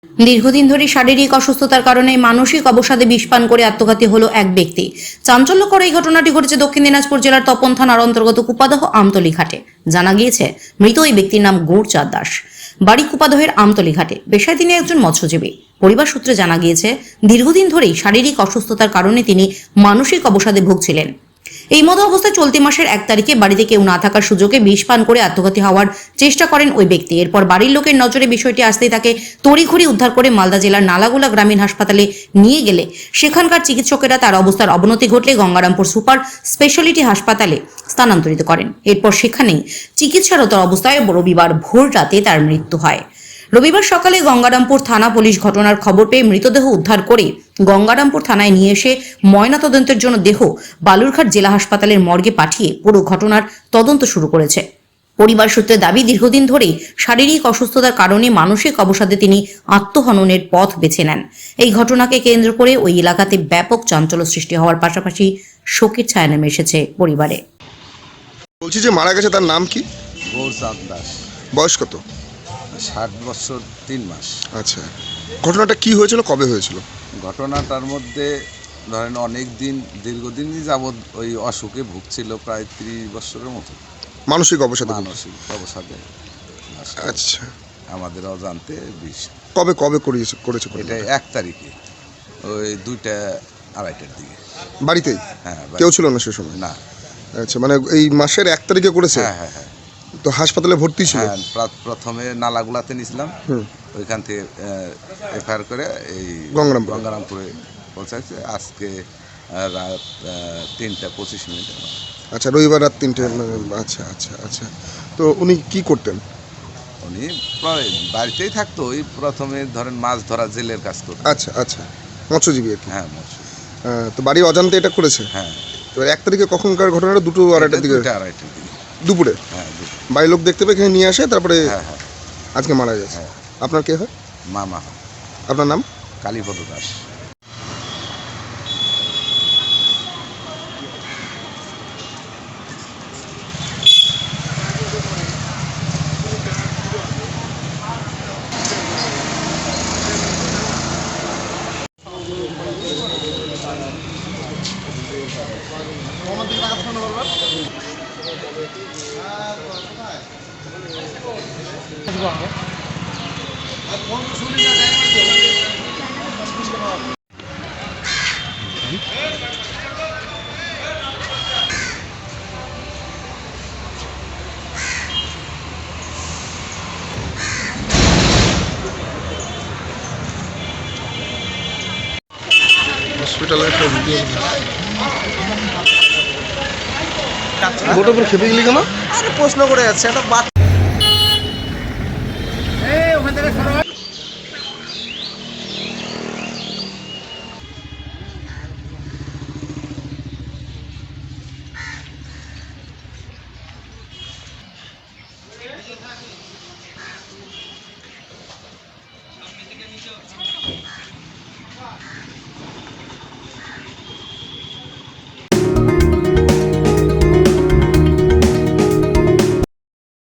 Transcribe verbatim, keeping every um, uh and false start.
দীর্ঘদিন ধরে শারীরিক অসুস্থতার কারণে মানসিক অবসাদে বিষ পান করে আত্মঘাতী হলো এক ব্যক্তি। চাঞ্চল্যকর এই ঘটনাটি ঘটেছে দক্ষিণ দিনাজপুর জেলার তপন থানার অন্তর্গত কুপাদহ আমতলী ঘাটে। জানা গিয়েছে মৃত ওই ব্যক্তির নাম গৌরচাঁদ দাস, বাড়ি কুপাদহের আমতলী ঘাটে। পেশায় তিনি একজন মৎস্যজীবী। পরিবার সূত্রে জানা গিয়েছে দীর্ঘদিন ধরেই শারীরিক অসুস্থতার কারণে তিনি মানসিক অবসাদে ভুগছিলেন। এই মতো অবস্থায় চলতি মাসের এক তারিখে বাড়িতে কেউ না থাকার সুযোগে বিষ পান করে আত্মঘাতী হওয়ার চেষ্টা করেন ওই ব্যক্তি। এরপর বাড়ির লোকের নজরে বিষয়টি আসতেই তাকে তড়িঘড়ি উদ্ধার করে মালদা জেলার নালাগোলা গ্রামীণ হাসপাতালে নিয়ে গেলে সেখানকার চিকিৎসকেরা তার অবস্থার অবনতি ঘটলে গঙ্গারামপুর সুপার স্পেশালিটি হাসপাতালে স্থানান্তরিত করেন। এরপর সেখানেই চিকিৎসারত অবস্থায় রবিবার ভোর রাতে তার মৃত্যু হয়। রবিবার সকালে গঙ্গারামপুর থানা পুলিশ ঘটনার খবর পেয়ে মৃতদেহ উদ্ধার করে গঙ্গারামপুর থানায় নিয়ে এসে ময়নাতদন্তের জন্য দেহ বালুরঘাট জেলা হাসপাতালের মর্গে পাঠিয়ে পুরো ঘটনার তদন্ত শুরু করেছে। পরিবার সূত্রে দাবি, দীর্ঘদিন ধরেই শারীরিক অসুস্থতার কারণে মানসিক অবসাদে তিনি আত্মহননের পথ বেছে নেন। এই ঘটনাকে কেন্দ্র করে ওই এলাকাতে ব্যাপক চাঞ্চল্য সৃষ্টি হওয়ার পাশাপাশি শোকের ছায়া নেমে এসেছে পরিবারে। বলছি যে মারা গেছে তার নাম কি? গৌরচাঁদ দাস, বয়স কত? ষাট বছর তিন মাস। আচ্ছা, ঘটনাটা কি হয়েছিল, কবে হয়েছিল? ঘটনাটার মধ্যে ধরেন অনেক দিন দীর্ঘদিনই যাবৎ ওই অসুখে ভুগছিল, প্রায় ত্রিশ বছরের মতো মানসিক অবসাদে? মানসিক অবসাদে। আচ্ছা, আমাদের অজান্তে বিষ। কবে কবে করেছে করেছে এটা ঘটনাটা? এক তারিখে ওই দুইটা আড়াইটার দিকে। বাড়িতেই হ্যাঁ, কেউ ছিল না সে সময়? না। আচ্ছা, মানে এই মাসের এক তারিখে করেছে? হ্যাঁ হ্যাঁ হ্যাঁ তো হাসপাতালে ভর্তি ছিল? হ্যাঁ, প্রা- প্রথমে নালাগুলাতে নিয়েছিলাম, হুম। ওইখান থেকে এফআইআর করে এই গঙ্গারামপুরে। গঙ্গারামপুরে পৌঁছাচ্ছে আজকে আহ, রাত আহ, তিনটা পঁচিশ মিনিটে। আচ্ছা, রবিবার রাত তিনটে। মানে আচ্ছা আচ্ছা আচ্ছা, তো উনি কি করতেন? উনি প্রায় বাড়িতেই থাকতো, ওই প্রথমে ধরেন মাছ ধরা জেলের কাজ করতো। আচ্ছা আচ্ছা, মৎস্যজীবী আর কি। হ্যাঁ মৎস্য। আহ, তো বাড়ি অজান্তে এটা করেছে? হ্যাঁ, তো এক তারিখে কখনকার ঘটনাটা? দুটো আড়াইটার এটা দিকে? দুইটা আড়াইটার দিকে। দুপুরে হ্যাঁ দুটো। বাড়ির লোক দেখতে পেয়ে এখানে নিয়ে আসে, তারপরে হ্যাঁ হ্যাঁ আজকে মারা গেছে। হ্যাঁ। আপনার কে হয়? মামা আপনার নাম? কালীপদ দাস। হসপিটালে একটা ভিডিও গোটা উপর খেপে গেলি কেন? আরে প্রশ্ন করে যাচ্ছে একটা বাচ্চা।